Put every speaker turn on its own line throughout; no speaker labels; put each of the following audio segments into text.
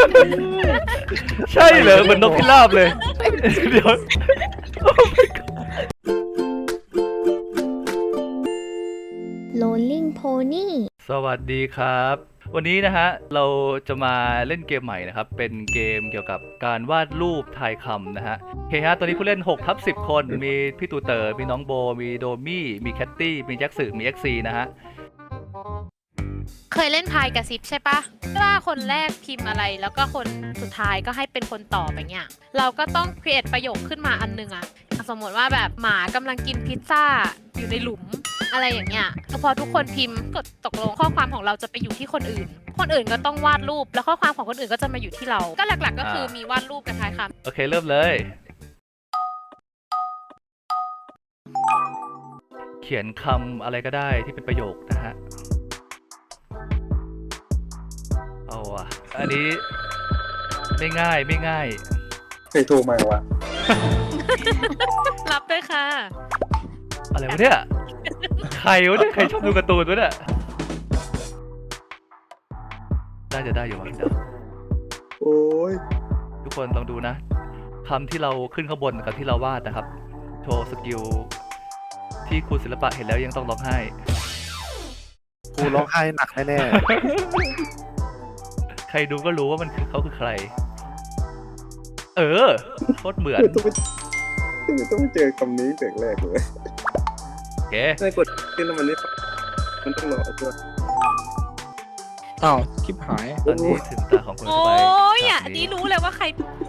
ใช่เหรอเหมือนนกพิราบเลยเดี๋ยว
Rolling Pony
สวัสดีครับ วันนี้นะฮะเราจะมาเล่นเกมใหม่นะครับเป็นเกมเกี่ยวกับการวาดรูปทายคำนะฮะโอเคฮะตอนนี้ผู้เล่น6/10 คนมีพี่ตูเตอร์มีน้องโบมีโดมี่มีแคตตี้มีแจ็คสึมีเอ็กซีนะฮะ
เคยเล่นพายกระซิบใช่ปะว่าคนแรกพิมพ์อะไรแล้วก็คนสุดท้ายก็ให้เป็นคนตอบอย่างเงี้ยเราก็ต้อง create ประโยคขึ้นมาอันนึงอะสมมติว่าแบบหมากำลังกินพิซซ่าอยู่ในหลุมอะไรอย่างเงี้ยพอทุกคนพิมพ์กดตกลงข้อความของเราจะไปอยู่ที่คนอื่นก็ต้องวาดรูปแล้วข้อความของคนอื่นก็จะมาอยู่ที่เราก็หลักๆก็คือมีวาดรูปกับทายคำ
โอเคเริ่มเลย เขียนคำอะไรก็ได้ที่เป็นประโยคนะฮะเอาอ่ะอันนี้ไม่ง่าย
ใครโทรมาวะ
รับด้วยค่ะ
อะไรวะเนี่ยใครวะเนี่ยใครชอบดูการ์ตูนวะเนี่ยจะได้อยู่มั้งเดี๋ยว
โอ้ย
ทุกคนลองดูนะคำที่เราขึ้นข้างบนกับที่เราวาดนะครับโชว์สกิลที่ครูศิลปะเห็นแล้วยังต้องร้องไห้
ครูร้องไห้หนักแน่
ใครดูก็รู้ว่ามันคือเขาคือใครโคตรเหมือน
ต้องไปเจอคำนี้แต่แรกเลย
โอเค
ได้กดขึ้นแล้วมันไม่มันต้องรอตัว
ๆอ้าวคลิปหาย
ตอนนี้ถึงตาของคน
โอ้
สบาย
ยอ่ะนี่รู้เลยว่าใคร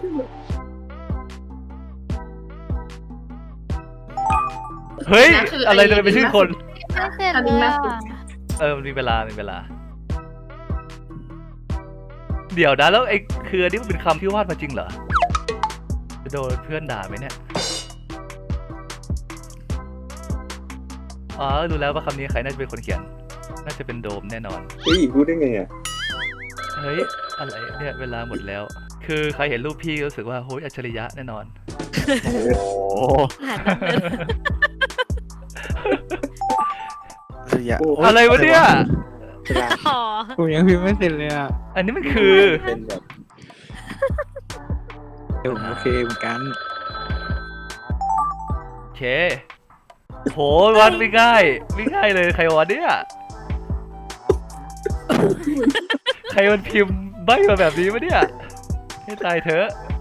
เฮ้ยอะไรจะเป็นชื่อคน
ไม่เสร็จเลยอะ
มันมีเวลาเดี๋ยวนะแล้วไอ้คืออันนี้มันเป็นคำที่วาดมาจริงเหรอจะโดนเพื่อนด่าไหมเนี่ยอ๋อรู้แล้วว่าคำนี้ใครน่าจะเป็นคนเขียนน่าจะเป็นโดมแน่นอน
เฮ้ยรู้ได้ไงอ่ะ
เฮ้ยอะไรเนี่ยเวลาหมดแล้ว คือใครเห็นรูปพี่ก็รู้สึกว่าโหยอัจฉริยะแน่นอน
โอ้โห
อะไรวะเนี่ย
อ๋อ
ผมยังพิมพ์ไม่เสร็จเลยอ่ะ
อันนี้มันคือ
เป็นแบบ
ผมโอเคเหมือนกัน
โอเคโหวันไม่ง่ายเลยใครวะเนี่ยใครมันพิมพ์ใบ้มาแบบนี้วะเนี่ยให้ตายเถอะ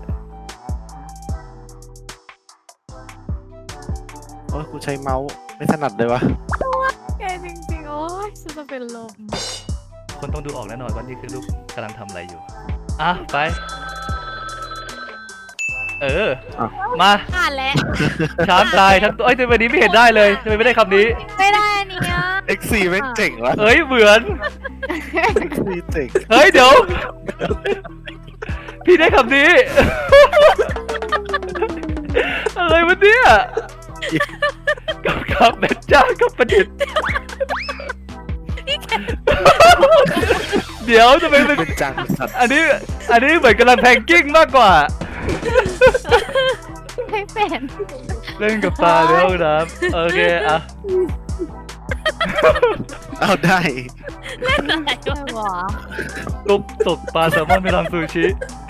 โอ้ยกูใช้เมาส์ไม่ถนัดเลยวะ
แกจริงๆ โอ้ยฉันจะเป็นลม
คนต้องดูออกแน่นอนว่านี่คือลูกกำลังทำอะไรอยู่อ่ะไปมา
อ่านแล้ว
ช้างตายทั้งตัวเอ้ยทำไมวันนี้ไม่เห็นได้เลยทำไมไม่ได้คำนี้
ไม่ได้อันนี้อะ
X4 แม่งเจ๋งวะ
เอ้ยเหมือน
X4 เจ๋ง
เฮ้ยเดี๋ยว พี่ได้คำนี้ อะไรวะเนี่ยกับแม่จ้ากับประดิษฐ์เดี๋ยวทำไมเป็น
เป็นจังสัตว์
อันนี้เหมือนกำลังแพงกิ้งมากกว่า
ไม่เป็น
เล่นกับปลาในห้องน้ำโอเคอ่ะ
เอาได้
อะไร
ไม่
วะ
หรอ
ตุ๊บตกปลาแซลมอนไปทำซูชิ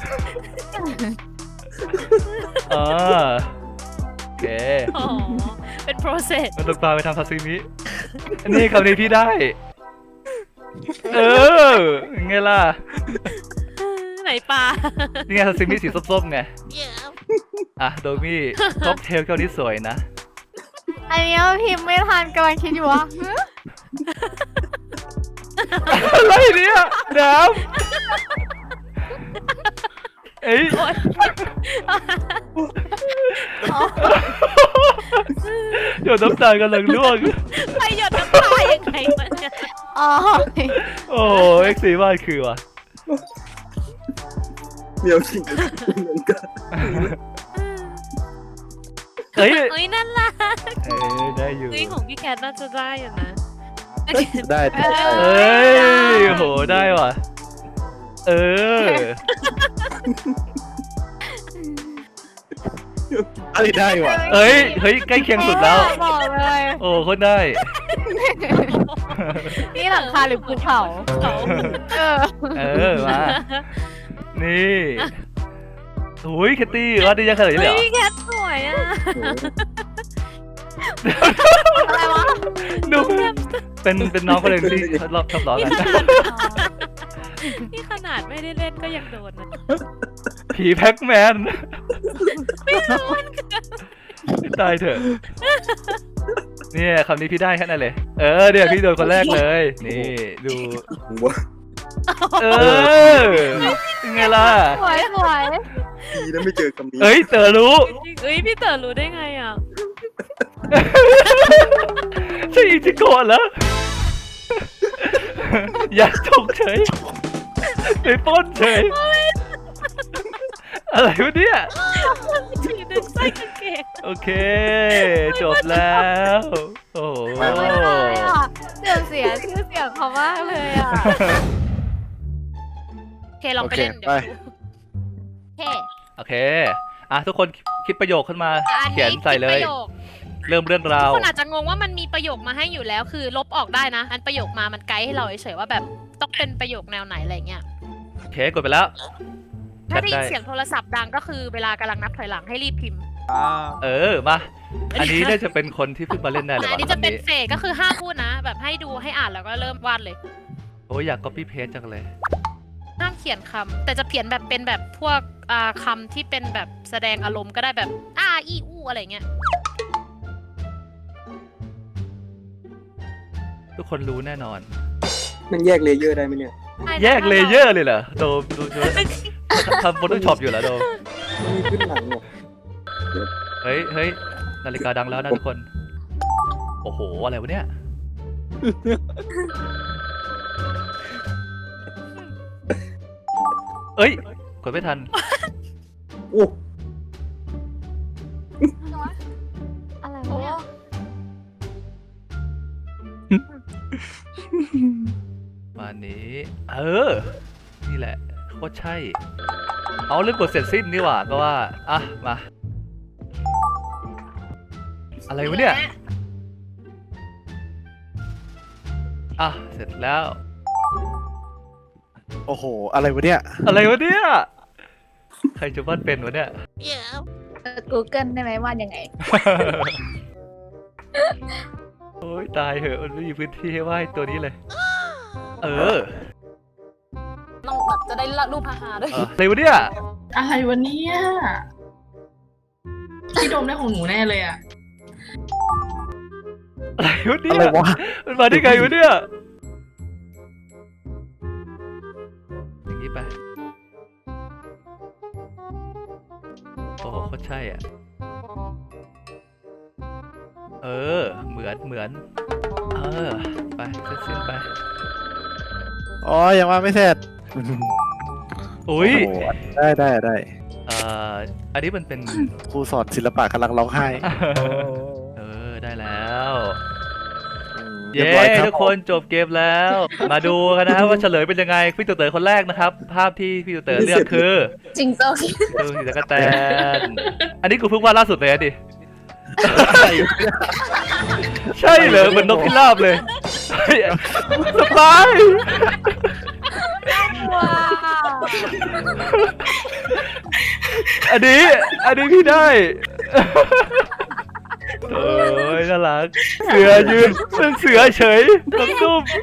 อ่าโอเค
อ๋อเป็น process
มันตกปลาไปทำซาซิมินี่คำนี้พี่ได้ไงล่ะ
ไหนปลา
นี่ไงซาซิมิสีส้มๆไงอ่ะโดมี่ค็อกเทลแก้วนี้สวยนะ
อันนี้พิมพ์ไม่ทันกำลังคิดอยู่ว่า
อะไรเนี่ยน้ำเอ้ยหยดน้ำตาลกำลังร่วง
ไปหยดน้ำตายังไงวะเนี่ย
อ๋อ
โอ้โหเอ็กซ์ซีวาดคือว่ะ
เดี๋ยวจริงเหมือนกัน
เฮ้ย
เฮ้ยนั่นล่ะ
ได้อยู่
เฮ้ยของพี่แคทน่าจะได้อยู่นะ
ได้
เอ้ยโหได้ว่ะ
อ
เอ
ได้ว่ะ
เฮ้ยใกล้เคียงสุดแล้ว
บอกเลย
โอ้คนได้
นี่หลังคาหรือภูเขา
เขา
เออ
มานี่อุ้ยแคตตี้ว่าดียังขนาดนี้เลยเหรอ
เฮ้ยแคทสวยอ่ะ
อะไรวะ
ดูเป็นน้องคนหนึ่งที่ชอบล้อกัน
นี่ขนาดไม่ได้เล่นก็ยังโดนนะ
ผีแพ็กแมนตายเถอะเนี่ยคำนี้พี่ได้แค่นั้นเลยเนี่ยพี่โดนคนแรกเลยนี่ดู
ผมว่า
เป็นไงล่ะ
สวยสวย
ดีนะไม่เจอคำนี้
เอ้ยเต๋อรู้
เฮ้ยพี่เต๋อรู้ได้ไงอ่ะ
ใช่อิจิโกะเหรออยากจกเฉยไปปล้นเฉยอะไรวะเนี่ย
ฉีดึงไส้กางเกง
โอเค จบแล้ว โอ้โห
ไม่ได้อ่ะเดี๋ยวเสียชื่อเสียงเขามากเลยอ่ะ
โอเคลองไปเล่นเดี๋ยวดู
โอเค
โอเคทุกคนคิดประโยคขึ้นมา
อัน
เขียน
นี้
ใส่เลย
ประโยค
เริ่มเรื่องรา
ทุก
ว
คนอาจจะงงว่ามันมีประโยคมาให้อยู่แล้ว คือลบออกได้นะ อันประโยคมามันไกด์ให้เราเฉยๆว่าแบบต้องเป็นประโยคแนวไหนอะไรเงี้ย
โอเคกดไปแล้ว
ถ้าได้ยิน
ได้
เสียงโทรศัพท์ดังก็คือเวลากำลังนับถอยหลังให้รีบพิมพ์
มาอันนี้น่าจะเป็นคนที่เพิ่งมาเล่นได้เลย
อัน
วะ
นี้จะเป็น
คำ
เฟสก็คือห้ามพูดนะ แบบให้ดูให้อ่านแล้วก็เริ่มวาดเลย
โอ้ยอยาก copy paste จังเลย
ห้ามเขียนคำแต่จะเขียนแบบเป็นแบบพวกคำที่เป็นแบบแสดงอารมณ์ก็ได้แบบอีอู้อะไรเงี้ย
ทุกคนรู้แน่นอน
มันแยกเลเยอร์ได้ไหมเนี่ย
แยกเลเยอร์เลยเหรอโดมดูทำ Photoshop อยู่เหรอโดม
มันมีขึ้นหลังเนี่ย
เฮ้ยนาฬิกาดังแล้วนะทุกคน โอ้โห อะไรวะเนี่ย เอ้ย กดไม่ทัน
โอ้
อะไรวะเนี่ย
มานี้ นี่แหละโคตรใช่ เอาเรื่องกดเสร็จสิ้นนี่หว่าก็ว่า มา อะไรวะเนี่ย เสร็จแล้ว
โอ้โห อะไรวะเนี่ย
อะไรวะเนี่ย ใครจะวาดเป็นวะเนี่ย
Google ได้ไหมว่ายังไง
โอ้ยตายเหอะมันไม่มีพื้นที่ให้วาดตัวนี้เลย
ต้องแบบจะได้รูปฮาๆด้วย
อะไรวะเนี่ย
อะไรวะเนี่ยพี่โดมได้ของหนูแน่เลยอ่ะ
อะไรวะเนี่
อะไร
ยว
ะ
มันมาได้ไงวะเนี่ย อย่างนี้ไป โอ้โหโคตรใช่อ่ะ เหมือน ไปเส้นๆไป
อ๋อ ยังว่าไม่เสร็จ
อุ้ย
โอ้โหได้
อันนี้มันเป็น
ครูสอนศิลปะกำลังร้องไห้
ได้แล้ว
เรีย
เย้
บร้อยครับ
ทุกคนจบเกมแล้ว มาดูกันนะครับว่าเฉลยเป็นยังไง พี่ตู่เต๋อคนแรกนะครับ ภาพที่พี่ตู่เต๋อเลือกคือ
จริงโต
ดูสีตะกะแตน อันนี้กูเพิ่งวาดล่าสุดเลยอะดิ ใช่เหรอเหมือนนกพิราบเลยเฮ้ยสบาย
ว้าว
อันนี้พี่ได้ โอ้ยน่ารัก เสือยืนเป็นเสือเฉยต้มตุ้ม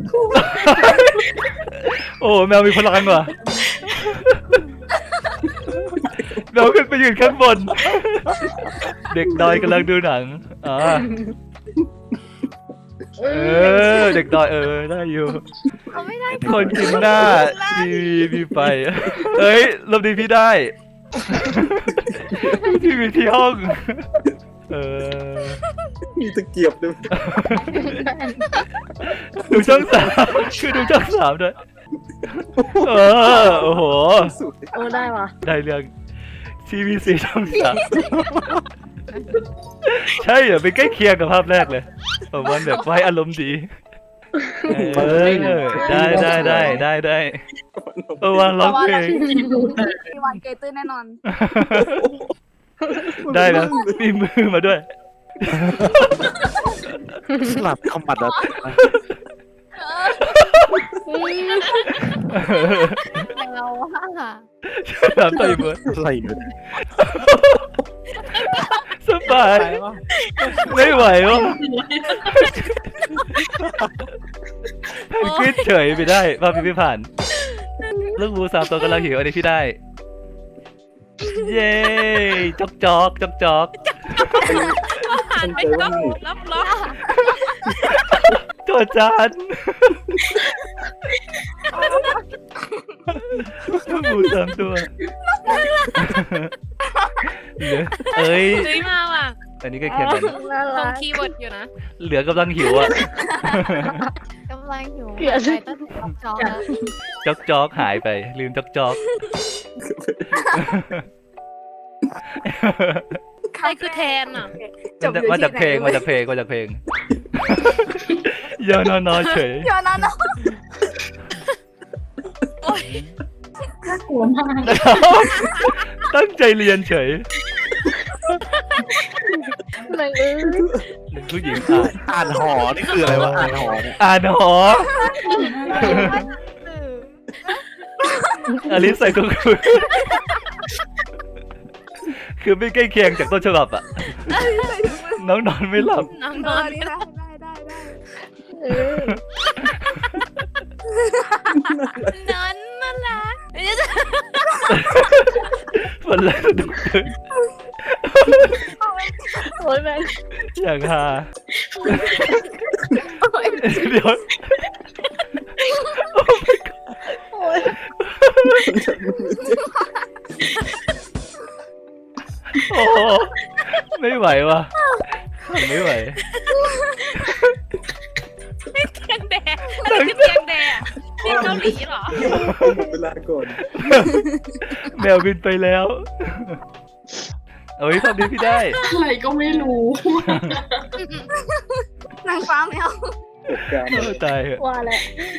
โอ้แมวมีพลังว่ะแมวขึ้นไปยืนข้างบน เด็กดอยกำลังดูหนังเด็กดอยได้อยู่
เขาไม่ได้
คนกินหน้ามีไปเอ้ยรอบนี้พี่ได้ พี่มีที่ห้อง
มีตะเกียบด้วย
ดูช่อง3คือดูช่อง3ด้วยโอ้โห
สุด
ได้ว่ะ
ได้เรื่อง TVC ช่อง3ใช่เหรอเป็นใกล้เคียงกับภาพแรกเลยผมว่าแบบไว้อารมณ์ดีได้วางร้องเพลง
มีวันเกยตื้นแน่นอน
ได้นะมีมือมาด้วย
สลับคอมบัตแล้ว
เราว่า
ถามต่อยเบิร์ด
อะไรอยู่เนี่ย
สบายไม่ไหววะเพนกวินเฉยไปได้มาพี่ผ่าน ลูกหมู3 ตัวกำลังหิวอันนี้พี่ได้ เย้จอกจอกจอกจอก
หันไปก็รับล็อก
โจทย์จานลูกหมู3 ตัวเหลือเอ้ย
ซื้อมาว่ะ
อันนี้ก็เขียนกัน
น่า
ตร
รั
ง
ก
คีย์เวิร์ดอยู่นะ
เหลือกำลังหิวอ่ะ
กำลังหิวไปต้นจอกจอกนะ
จอกจอกหายไป ลืมจอกจอก
ใครคือแทนอ่ะ
มาจากเพลงมาจากเพลงมาจากเพลงยอนอนอเฉย
เดี๋ยวนะน้อง
น่ากลัวมาก
ตั้งใจเรียนเฉย
เลย
เป็นผู้หญิง
อ่านหอนี่คืออะไรวะอ่านหอเนี่ย
อ่านหออลิสใส่ถุงมือคือไม่ใกล้เคียงจากต้นฉบับอ่ะ น้องนอนไม่หลับ
น้องน
ได้
อน
ได้ได้เออน
อนน่ารัก
วันแรกสนุกเลย
โอ้ยแม่
อย่างฮาเดี๋ยว
โอ้ย
โอ้โหไม่ไหวว่ะไม่ไหว
เตียงแดงอะไรคือเตียงแดงนี่เกาหลีเหรอ
เวลาก่อน
แมวบินไปแล้วเอ้ยตอนนี้พี่ได้
อะไรก็ไม่รู้
นางฟ้าแมว
เหตุการณ์
โอ้ตายเหอะ
ว่าแหละ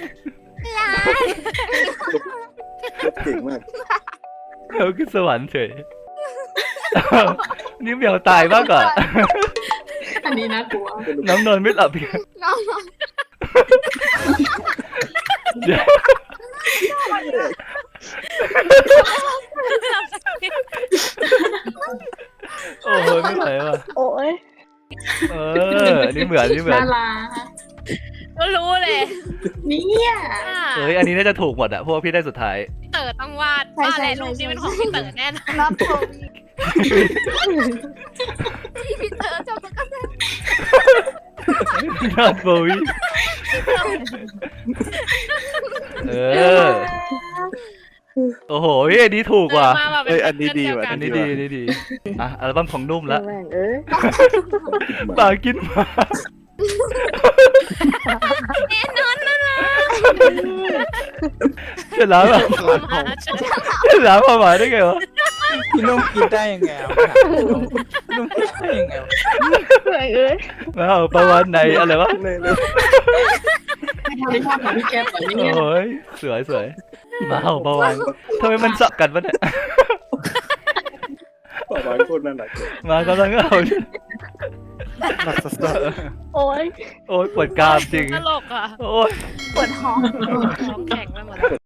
เก่งมาก
แมวขึ้นสวรรค์เฉยนี่แมวตายมากกว่า
อันนี้น่ากลัว
น้องนอนไม่หลับอีก
น้อง
เดี๋ยวโอ้ยไม่ไหวว่ะ
โอ้ย
นี่เหมือนนี่เหมือน
น่ารัก
ก็รู้เลย
เนี่ย
เอ้ยอันนี้น่าจะถูกหมดอะเพราะว่าพี่ได้สุดท้าย
เต๋อต้องวาดว่าอะไรรูปนี้เป็นของพี่เต๋อแน่นอน
รับผมพี่เต๋อจบก็
นอนโบวิโอ้โหอันนี้ถูกว่ะ
มาแบบเป็
เอ้ยอันนี้ดีว่ะ
อันนี้ดีอันนี้ดีอ่ะอัลบั้มของนุ่มละ
แม่งเอ้ย
หมากินหมา
แน่นอนนะล่ะ
จะล้างอ่ะ
มาเฉย
จะล้างหมาได้ไงวะ
พี่นุ่มกินได้ยังไงอ่ะพี่นุ่มกินได้ยังไงวะ
แม่งเอ้ย
มาเอาประวันในอะไรวะ
ในเรื่อง
ไม่ทำได้ภาพของพี่แก๊ปแบบนี้เนี่ย
โอ้ยสวยสวยมาเอาประวันทำไมมันสับกันวะเนี่ย
ป่าวานโคตรน่ารักเลย
มากำลังเอา
หนักสัส
โอ้ย
โอ้ยปวดกรามจริง
ตลกอ่ะ
โอ้ย
ปวดท้อง
ท้องแข็งไปหมดแล้ว